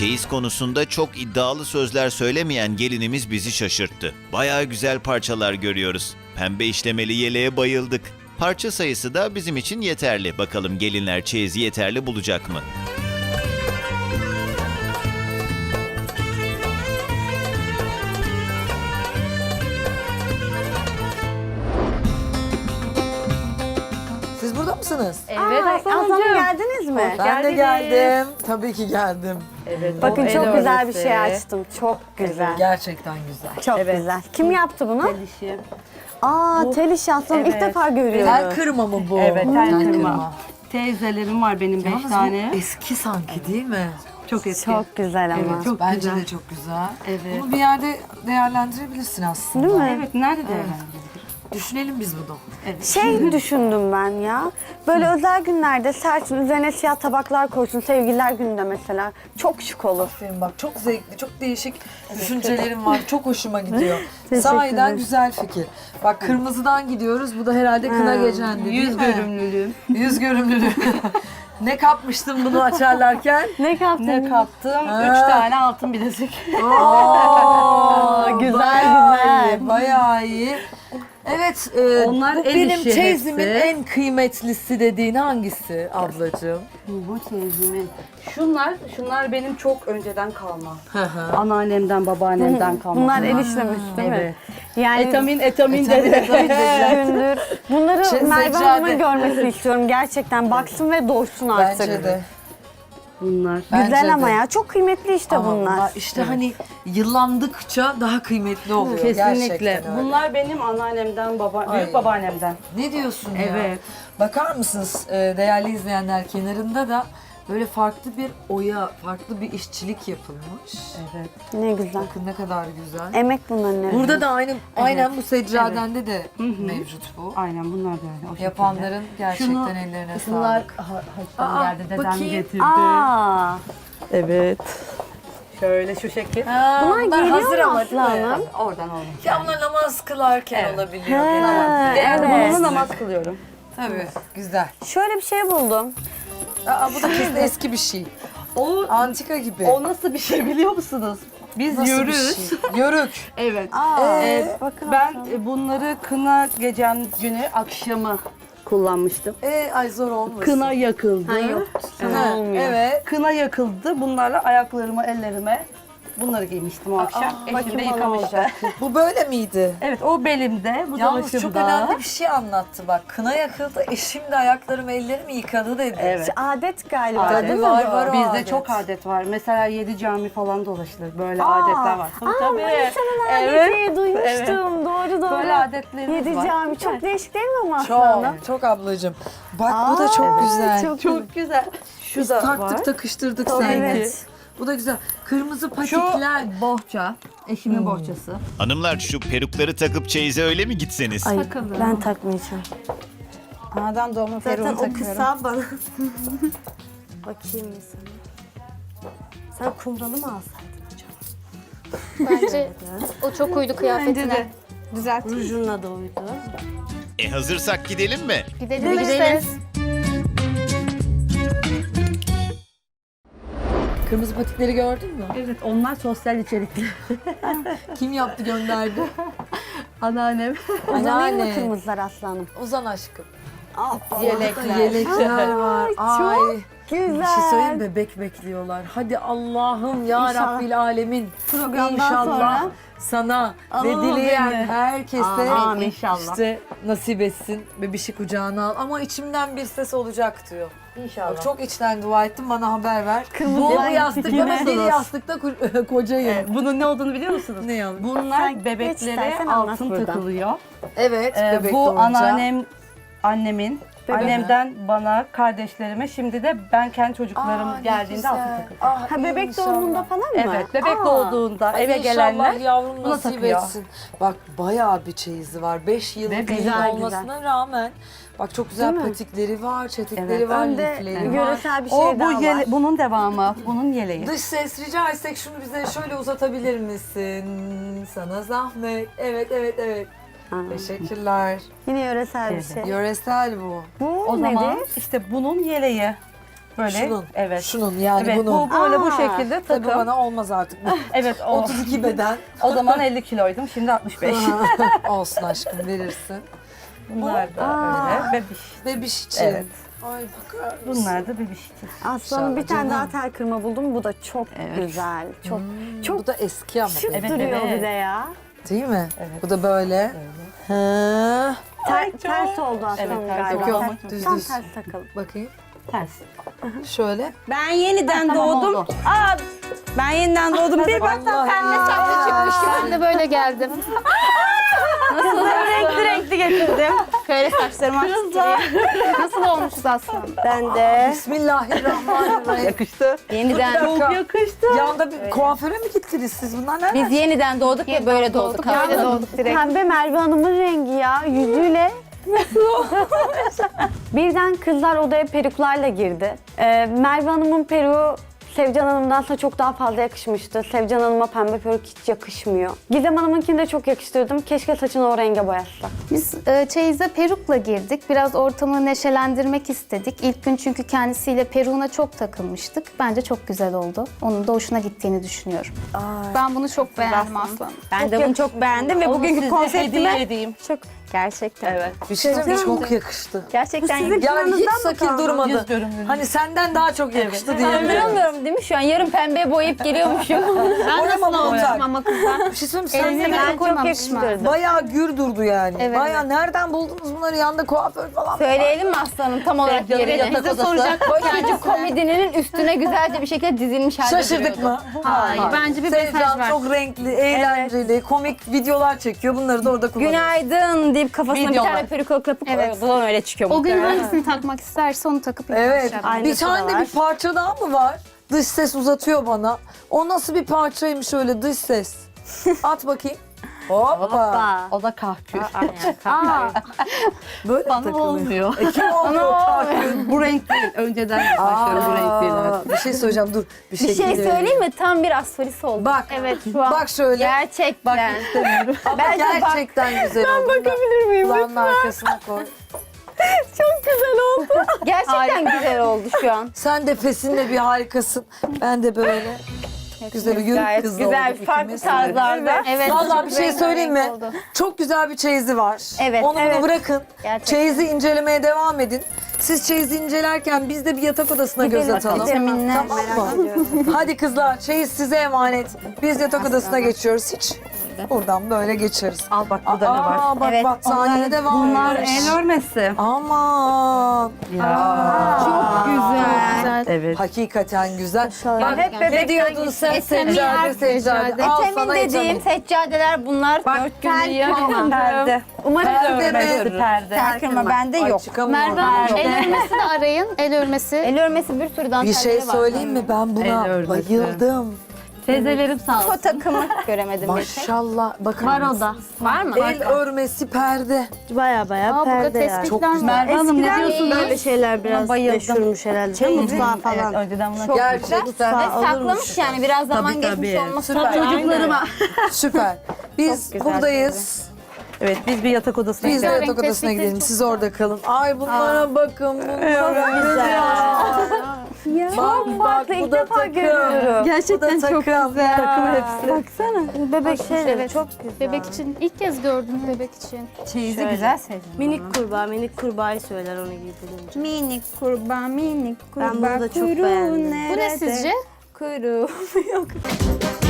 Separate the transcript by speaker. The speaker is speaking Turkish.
Speaker 1: Çeyiz konusunda çok iddialı sözler söylemeyen gelinimiz bizi şaşırttı. Bayağı güzel parçalar görüyoruz. Pembe işlemeli yeleğe bayıldık. Parça sayısı da bizim için yeterli. Bakalım gelinler çeyizi yeterli bulacak mı?
Speaker 2: Siz burada mısınız?
Speaker 3: Evet
Speaker 4: Aslanım geldiniz mi?
Speaker 2: Ben de
Speaker 3: geldiniz.
Speaker 2: geldim. Tabii ki geldim.
Speaker 3: Evet,
Speaker 4: Bakın
Speaker 3: o el
Speaker 4: çok güzel bir
Speaker 3: örmesi.
Speaker 4: şey açtım. Çok güzel.
Speaker 2: Gerçekten güzel.
Speaker 4: Çok
Speaker 3: Evet.
Speaker 4: güzel. Kim yaptı bunu?
Speaker 3: El işi.
Speaker 4: Tel işi aslanım ilk
Speaker 3: Evet.
Speaker 4: defa görüyorum.
Speaker 2: Tel kırma mı bu?
Speaker 3: Evet, tel
Speaker 2: Tel
Speaker 3: kırma. Teyzelerim var benim 5
Speaker 2: Yalnız bu
Speaker 3: tane.
Speaker 2: eski sanki değil mi?
Speaker 3: Çok eski.
Speaker 4: Çok güzel ama.
Speaker 3: Evet, çok
Speaker 2: Bence
Speaker 3: güzel.
Speaker 2: de çok güzel.
Speaker 3: Evet.
Speaker 2: Bunu bir yerde değerlendirebilirsin aslında.
Speaker 4: Değil mi?
Speaker 3: Evet, nerede değerlendirebiliriz?
Speaker 2: Düşünelim biz bunu.
Speaker 4: Şey düşündüm ben ya. Böyle özel günlerde serçin üzerine siyah tabaklar koysun. Sevgililer gününde mesela. Çok şık olur.
Speaker 2: Aferin bak, çok zevkli, çok değişik düşüncelerim var. Çok hoşuma gidiyor.
Speaker 4: Teşekkür
Speaker 2: Sahiden
Speaker 4: ederim.
Speaker 2: güzel fikir. Bak kırmızıdan gidiyoruz. Bu da herhalde kına gecendi değil
Speaker 3: Yüz
Speaker 2: mi?
Speaker 3: görümlülüğüm.
Speaker 2: Yüz görümlülüğü. Ne kapmıştın bunu açarlarken?
Speaker 4: Ne kaptın?
Speaker 3: Ne kaptım?
Speaker 2: Ha.
Speaker 3: 3 tane altın bilezik.
Speaker 2: Oo,
Speaker 4: Güzel,
Speaker 2: bayağı
Speaker 4: güzel.
Speaker 2: iyi, bayağı iyi. Evet,
Speaker 3: Onlar
Speaker 2: bu
Speaker 3: el
Speaker 2: benim
Speaker 3: işi
Speaker 2: çeyizimin
Speaker 3: hepsi.
Speaker 2: en kıymetlisi dediğin hangisi ablacığım?
Speaker 3: Bu çeyizimin. Şunlar benim çok önceden kalma.
Speaker 2: Hı hı.
Speaker 3: Anneannemden, babaannemden kalma.
Speaker 4: Bunlar el işlemiş değil mi?
Speaker 3: Evet.
Speaker 4: Yani
Speaker 3: Etamin
Speaker 2: Etamin,
Speaker 3: dedi.
Speaker 2: etamin.
Speaker 4: gündür. Bunları
Speaker 2: Şey,
Speaker 4: Merve
Speaker 2: seccade.
Speaker 4: Hanım'ın görmesini istiyorum gerçekten. Baksın ve doysun artık.
Speaker 2: Bence de.
Speaker 3: Bunlar.
Speaker 2: Bence
Speaker 4: Güzel ama
Speaker 2: de.
Speaker 4: ya. Çok kıymetli işte
Speaker 2: Ama
Speaker 4: bunlar.
Speaker 2: işte hani yıllandıkça daha kıymetli oluyor.
Speaker 3: Kesinlikle.
Speaker 2: Gerçekten öyle.
Speaker 3: Bunlar benim anneannemden,
Speaker 2: Ay.
Speaker 3: büyük babaannemden.
Speaker 2: Ne diyorsun ya?
Speaker 3: Evet.
Speaker 2: Bakar mısınız değerli izleyenler, kenarında da böyle farklı bir oya, farklı bir işçilik yapılmış.
Speaker 3: Evet.
Speaker 4: Ne güzel.
Speaker 2: Bakın ne kadar güzel.
Speaker 4: Emek bunların hepsi.
Speaker 2: Burada da aynen bu seccadende de mevcut bu.
Speaker 3: Aynen bunlar da öyle. O şekilde.
Speaker 2: Yapanların gerçekten
Speaker 3: Şunu-
Speaker 2: ellerine
Speaker 3: Bunlar
Speaker 2: sağlık.
Speaker 3: haçtan
Speaker 2: Aa,
Speaker 3: geldi, dedem
Speaker 2: bakayım.
Speaker 3: getirdi.
Speaker 4: Aa,
Speaker 3: Evet. Şöyle şu şekil.
Speaker 4: bunlar geliyor
Speaker 2: hazır
Speaker 4: mu
Speaker 2: ama değil mi?
Speaker 4: aslanım?
Speaker 3: Oradan olmuş.
Speaker 2: Ya bunlar namaz kılarken
Speaker 3: Evet.
Speaker 2: olabiliyor.
Speaker 4: Ha,
Speaker 2: genelde.
Speaker 4: evet.
Speaker 3: Bununla namaz kılıyorum.
Speaker 2: Tabii, güzel.
Speaker 4: Şöyle bir şey buldum.
Speaker 2: Bu da kesin eski bir şey.
Speaker 3: O
Speaker 2: Antika gibi.
Speaker 3: nasıl bir şey biliyor musunuz? Biz
Speaker 2: Nasıl
Speaker 3: yürürüz.
Speaker 2: bir şey? Yörük.
Speaker 3: Evet.
Speaker 4: Aa,
Speaker 3: Bakın ben bunları kına gecem günü akşamı kullanmıştım.
Speaker 2: Ay zor olmasın.
Speaker 3: Kına yakıldı.
Speaker 4: Ha, yok.
Speaker 2: Ha,
Speaker 4: olmuyor.
Speaker 2: evet.
Speaker 3: Kına yakıldı. Bunlarla ayaklarıma, ellerime bunları giymiştim o akşam. Eşim
Speaker 4: bakayım
Speaker 3: de
Speaker 4: bana
Speaker 3: yıkamıştı.
Speaker 4: olacak.
Speaker 2: Bu böyle miydi?
Speaker 3: Evet, o belimde, bu da
Speaker 2: Yalnız çok
Speaker 3: başımda.
Speaker 2: önemli bir şey anlattı bak. Kına yakıldı, eşim de ayaklarımı ellerimi yıkadı dedi.
Speaker 3: Evet.
Speaker 4: Adet galiba
Speaker 3: Adet.
Speaker 4: değil mi?
Speaker 2: Var,
Speaker 4: bu?
Speaker 2: var o
Speaker 3: Bizde
Speaker 2: adet.
Speaker 3: çok adet var. Mesela 7 cami falan dolaşılır. Böyle adetler var. Tabii.
Speaker 4: Manisa'nın adeti duymuştum. Doğru doğru.
Speaker 3: Böyle adetlerimiz
Speaker 4: Yedi
Speaker 3: var.
Speaker 4: cami. Çok değişik değil mi ama aslanım?
Speaker 2: Çok, çok ablacığım. Bak bu da çok güzel.
Speaker 3: Çok güzel. Şu
Speaker 2: Biz
Speaker 3: da
Speaker 2: taktık
Speaker 3: var.
Speaker 2: takıştırdık
Speaker 4: Tabii,
Speaker 2: sanki.
Speaker 4: evet.
Speaker 2: Bu da güzel. Kırmızı
Speaker 3: Şu
Speaker 2: patikler.
Speaker 3: bohça. Eşimin bohçası.
Speaker 1: Hanımlar şu perukları takıp çeyize öyle mi gitseniz?
Speaker 4: Ay,
Speaker 3: Takalım.
Speaker 4: ben takmayacağım.
Speaker 3: Anadan doğma
Speaker 4: Zaten
Speaker 3: peruğunu
Speaker 4: o
Speaker 3: takıyorum.
Speaker 4: kısa bana. Bakayım bir sana. Sen kumralı mı alsaydın acaba?
Speaker 5: Bence o çok uydu kıyafetine.
Speaker 3: Düzelt.
Speaker 4: Rujunla da uydu.
Speaker 1: Hazırsak gidelim mi?
Speaker 5: Gidelim işte.
Speaker 2: Kırmızı patikleri gördün mü?
Speaker 3: Evet, onlar sosyal içerikli.
Speaker 2: Kim yaptı gönderdi?
Speaker 3: Anneannem.
Speaker 4: Uzanayım mı
Speaker 2: Anneanne.
Speaker 4: kırmızılar aslanım?
Speaker 2: Uzan aşkım.
Speaker 3: Yelekler.
Speaker 2: Yelekler var. Ay.
Speaker 4: Güzel.
Speaker 2: Bir şey söyleyeyim mi? Bebek bekliyorlar. Hadi Allah'ım ya
Speaker 4: İnşallah.
Speaker 2: Rabbil Alemin.
Speaker 4: Programdan
Speaker 2: İnşallah
Speaker 4: sonra
Speaker 2: sana ve
Speaker 4: alalım
Speaker 2: dileyen
Speaker 4: beni.
Speaker 2: herkese
Speaker 4: Amin, inşallah.
Speaker 2: işte nasip etsin. Bebişi kucağına al. Ama içimden bir ses olacak diyor.
Speaker 3: İnşallah.
Speaker 2: Bak, çok içten dua ettim, bana haber ver.
Speaker 4: Kırmızı
Speaker 2: Bu
Speaker 4: renk
Speaker 2: yastıkta
Speaker 4: yine.
Speaker 2: ben bir yastıkta kocayım.
Speaker 3: Bunun ne olduğunu biliyor musunuz?
Speaker 2: Ne yani?
Speaker 3: Bunlar
Speaker 4: Sen geç
Speaker 3: bebeklere
Speaker 4: istersen anlat
Speaker 3: altın
Speaker 4: buradan.
Speaker 3: takılıyor.
Speaker 2: Evet, bebek
Speaker 3: Bu
Speaker 2: doğunca.
Speaker 3: annemin, annemden bana, kardeşlerime, şimdi de ben kendi çocuklarım
Speaker 2: Aa, ne
Speaker 3: geldiğinde
Speaker 2: güzel.
Speaker 3: altın takıyorum.
Speaker 2: Ah,
Speaker 4: Ha bebek
Speaker 2: inşallah.
Speaker 4: doğumunda falan mı?
Speaker 3: Evet, bebek
Speaker 4: Aa.
Speaker 3: doğduğunda eve gelenler
Speaker 2: İnşallah yavrum
Speaker 3: buna
Speaker 2: nasip
Speaker 3: takıyor.
Speaker 2: etsin. Bak bayağı bir çeyizi var. 5 yıllık
Speaker 3: Ve
Speaker 2: gelin
Speaker 4: güzel,
Speaker 2: olmasına rağmen. Bak çok güzel
Speaker 4: Değil mi?
Speaker 2: patikleri var, çetikleri
Speaker 3: Evet.
Speaker 2: var,
Speaker 4: Önde
Speaker 2: lifleri var.
Speaker 4: yöresel bir şey
Speaker 3: O
Speaker 4: daha var.
Speaker 3: bunun devamı, bunun yeleği.
Speaker 2: Dış ses rica etsek şunu bize şöyle uzatabilir misin? Sana zahmet. Evet, evet, evet.
Speaker 4: Ha.
Speaker 2: Teşekkürler.
Speaker 4: Yine yöresel bir
Speaker 3: Evet.
Speaker 4: şey.
Speaker 2: Yöresel bu.
Speaker 4: Bu
Speaker 3: O
Speaker 4: nedir?
Speaker 3: zaman işte bunun yeleği. Böyle.
Speaker 2: Şunun.
Speaker 3: Evet.
Speaker 2: Şunun yani
Speaker 3: Evet,
Speaker 2: bunun.
Speaker 3: bu böyle bu
Speaker 4: Aa,
Speaker 3: şekilde
Speaker 2: Tabii
Speaker 3: takım.
Speaker 2: bana olmaz artık.
Speaker 3: Evet, o
Speaker 2: 32 beden.
Speaker 3: o zaman 50 kiloydum, şimdi 65.
Speaker 2: Olsun aşkım verirsin.
Speaker 3: Bunlar da öyle, bebiş.
Speaker 2: Bebiş için.
Speaker 3: Evet.
Speaker 2: Ay bakar mısın?
Speaker 3: Bunlar da bebiş için.
Speaker 4: Aslanım bir tane
Speaker 2: canım.
Speaker 4: daha tel kırma buldum. Bu da çok güzel. Çok
Speaker 2: Bu da eski ama.
Speaker 4: şık
Speaker 3: Evet,
Speaker 4: duruyor
Speaker 3: evet.
Speaker 4: bir de ya.
Speaker 2: Değil mi?
Speaker 3: Evet.
Speaker 2: Bu da böyle. Ha.
Speaker 4: Ters oldu aslanım
Speaker 3: Evet, ters
Speaker 4: galiba.
Speaker 2: oldu. Yok, yok, düz
Speaker 4: Tam
Speaker 2: düz.
Speaker 4: ters takıldı.
Speaker 2: Bakayım.
Speaker 3: Ters.
Speaker 2: Şöyle.
Speaker 6: Ben yeniden
Speaker 3: Tamam,
Speaker 6: doğdum.
Speaker 3: oldu.
Speaker 6: Aa, ben yeniden doğdum. Bir baktım
Speaker 2: Allah
Speaker 6: pembe
Speaker 2: ya.
Speaker 6: saçlı çıkmış.
Speaker 5: Ben de böyle geldim.
Speaker 6: Renkli renkli getirdim.
Speaker 5: Şöyle saçlarımı açtırayım. Nasıl olmuşuz aslında?
Speaker 6: Ben de
Speaker 2: Bismillahirrahmanirrahim.
Speaker 3: Yakıştı.
Speaker 6: yeniden
Speaker 2: Çok
Speaker 3: yakıştı.
Speaker 2: Yanda bir kuaföre mi gittiniz siz? Bunlar nereden?
Speaker 6: biz yeniden doğduk ve böyle doğduk.
Speaker 5: Böyle
Speaker 6: Böyle
Speaker 5: doğduk direkt.
Speaker 4: Pembe Merve Hanım'ın rengi ya. Yüzüyle. Birden kızlar odaya peruklarla girdi. Merve Hanım'ın peruğu Sevcan Hanım'dansa çok daha fazla yakışmıştı. Sevcan Hanım'a pembe peruk hiç yakışmıyor. Gizem Hanım'ınkini de çok yakıştırdım. Keşke saçını o renge boyatsa.
Speaker 5: Biz çeyize perukla girdik. Biraz ortamı neşelendirmek istedik. İlk gün çünkü kendisiyle peruğuna çok takılmıştık. Bence çok güzel oldu. Onun da hoşuna gittiğini düşünüyorum. Ben bunu çok beğendim aslanım.
Speaker 6: Ben de bunu çok beğendim ve bugünkü
Speaker 3: hediye
Speaker 6: konseptime
Speaker 3: edeyim.
Speaker 6: çok gerçekten.
Speaker 3: Evet.
Speaker 2: Bir şey söyleyeyim mi? Çok yakıştı.
Speaker 6: Gerçekten
Speaker 2: Yani hiç sakil durmadı.
Speaker 3: Yüz görümlü.
Speaker 2: Hani senden daha çok yakıştı diye.
Speaker 6: Anlamıyorum değil mi şu an? Yarın pembeye boyayıp geliyormuşum.
Speaker 5: Ben
Speaker 2: Oraya
Speaker 5: nasıl
Speaker 2: mı
Speaker 5: olmuşum
Speaker 2: olacak?
Speaker 5: ama kızlar?
Speaker 2: Bir şey söyleyeyim mi?
Speaker 5: Elinize
Speaker 2: Sen
Speaker 5: ben koymamışım.
Speaker 2: bayağı gür durdu yani.
Speaker 5: Evet.
Speaker 2: Bayağı nereden buldunuz bunları? Yanında kuaför falan.
Speaker 6: Söyleyelim mi aslanım tam olarak
Speaker 3: Sevcan'ın
Speaker 6: yerini?
Speaker 3: yatak
Speaker 6: Bize
Speaker 3: odası.
Speaker 6: soracak. Boyacı komedinin üstüne güzelce bir şekilde dizilmiş halde
Speaker 2: Şaşırdık
Speaker 6: duruyordu.
Speaker 2: mı?
Speaker 5: Hayır, bence bir mesaj
Speaker 2: Sevcan
Speaker 5: var.
Speaker 2: çok renkli, eğlenceli, komik videolar çekiyor. Bunları da orada kullanıyor.
Speaker 6: Günaydın deyip kafasına bir
Speaker 3: Videolar.
Speaker 6: tane peruk alıp
Speaker 5: Evet.
Speaker 6: buradan öyle çıkıyor
Speaker 5: O gün
Speaker 6: muhtemelen.
Speaker 5: hangisini takmak isterse onu takıp
Speaker 2: Evet.
Speaker 5: yapmışlar.
Speaker 2: Bir tane de bir parça daha mı var? Dış ses uzatıyor bana. O nasıl bir parçaymış öyle dış ses? At bakayım. Hoppa.
Speaker 3: O da kahkül.
Speaker 2: Böyle
Speaker 3: Bana
Speaker 2: takılıyor.
Speaker 3: olmuyor.
Speaker 2: Kim oluyor kahkül?
Speaker 3: Bu renk değil. Önceden başlıyorum bu renk değil. Evet.
Speaker 2: Bir şey söyleyeceğim dur.
Speaker 6: Bir şey söyleyeyim mi? Tam bir asfalisi oldu.
Speaker 2: Bak.
Speaker 5: Evet şu an.
Speaker 2: Bak şöyle.
Speaker 6: Gerçekten.
Speaker 2: Ama
Speaker 6: Bence bak.
Speaker 2: gerçekten güzel oldu. Ben bakabilir miyim? Kulağının arkasına koy.
Speaker 6: Gerçekten güzel oldu şu an.
Speaker 2: Sen de pesinle bir harikasın. Ben de böyle. Güzel bir
Speaker 6: Gayet
Speaker 2: kız
Speaker 6: güzel,
Speaker 2: olduk
Speaker 6: farklı
Speaker 2: ikimiz.
Speaker 6: tarzlarda.
Speaker 5: Evet.
Speaker 2: Vallahi bir şey
Speaker 5: rengarenk
Speaker 2: söyleyeyim mi?
Speaker 5: oldu.
Speaker 2: Çok güzel bir çeyizi var.
Speaker 6: Evet,
Speaker 2: Onu
Speaker 6: evet.
Speaker 2: bunu bırakın.
Speaker 6: Gerçekten.
Speaker 2: Çeyizi incelemeye devam edin. Siz çeyizi incelerken biz de bir yatak odasına göz atalım.
Speaker 6: Vitaminler.
Speaker 2: Tamam mı? Hadi kızlar çeyiz size emanet. Biz yatak odasına geçiyoruz. Hiç buradan böyle geçeriz.
Speaker 3: Al bak burada ne var.
Speaker 2: Aa bak
Speaker 6: Evet,
Speaker 2: battaniye de var.
Speaker 3: Bunlar el örmesi.
Speaker 2: Aman.
Speaker 6: Çok güzel.
Speaker 3: Evet.
Speaker 2: Hakikaten güzel.
Speaker 6: Ya hep
Speaker 2: Ne
Speaker 6: bebekten
Speaker 2: diyordun sen seccade seccade? Al
Speaker 6: Etemin
Speaker 2: sana
Speaker 6: dediğim
Speaker 2: etemin.
Speaker 6: seccadeler bunlar.
Speaker 3: Bak,
Speaker 6: 4 gündür yakın.
Speaker 3: Perde.
Speaker 6: Umarım
Speaker 2: Perde
Speaker 3: Örmesi
Speaker 2: mi?
Speaker 3: perde.
Speaker 6: takırma bende
Speaker 2: Ay,
Speaker 6: yok.
Speaker 2: çıkamıyorum.
Speaker 5: Merve Hanım el örmesi de arayın. El örmesi.
Speaker 6: El örmesi bir sürü
Speaker 2: Bir
Speaker 6: dantelleri
Speaker 2: şey
Speaker 6: var.
Speaker 2: söyleyeyim mi? Ben buna
Speaker 3: El örmesi.
Speaker 2: bayıldım.
Speaker 3: Teyzelerim sağ olsun.
Speaker 6: O takımı göremedim.
Speaker 2: Maşallah. Bakın.
Speaker 6: Var o da. Var mı?
Speaker 2: El örmesi perde.
Speaker 6: Baya baya
Speaker 5: Aa, burada tespitler
Speaker 2: Çok
Speaker 5: var.
Speaker 2: güzel.
Speaker 3: Merve Hanım ne diyorsunuz?
Speaker 6: böyle şeyler biraz meşhurmuş herhalde. Mutfağa falan.
Speaker 3: Evet, önceden bunlar
Speaker 2: Gerçekten.
Speaker 6: Ve saklamış yani biraz zaman geçmiş olması
Speaker 2: Süper.
Speaker 6: çocuklarıma.
Speaker 2: Süper. Biz
Speaker 6: güzel
Speaker 2: buradayız.
Speaker 3: Evet biz bir yatak odasına
Speaker 2: Biz de
Speaker 3: gidelim.
Speaker 2: yatak
Speaker 5: Renk
Speaker 2: odasına
Speaker 5: tespiti
Speaker 2: gidelim.
Speaker 5: çok
Speaker 2: Siz orada kalın. Ay bunlara bakın. Bunlara güzel. Bak bak bu da takım.
Speaker 6: Gerçekten
Speaker 2: çok güzel.
Speaker 3: Takım hepsi.
Speaker 6: Baksana. Bebek şeyleri
Speaker 5: Evet.
Speaker 6: çok güzel.
Speaker 5: Bebek için ilk kez gördüm bebek için.
Speaker 6: Çeyizi güzel sevdim.
Speaker 7: Minik kurbağayı söyler onu giydirince.
Speaker 6: Minik kurbağa, minik kurbağa.
Speaker 7: Ben bunu da çok
Speaker 6: kuyruğu
Speaker 7: beğendim.
Speaker 5: Bu ne
Speaker 6: nerede?
Speaker 5: sizce?
Speaker 6: Kuyruğu yok.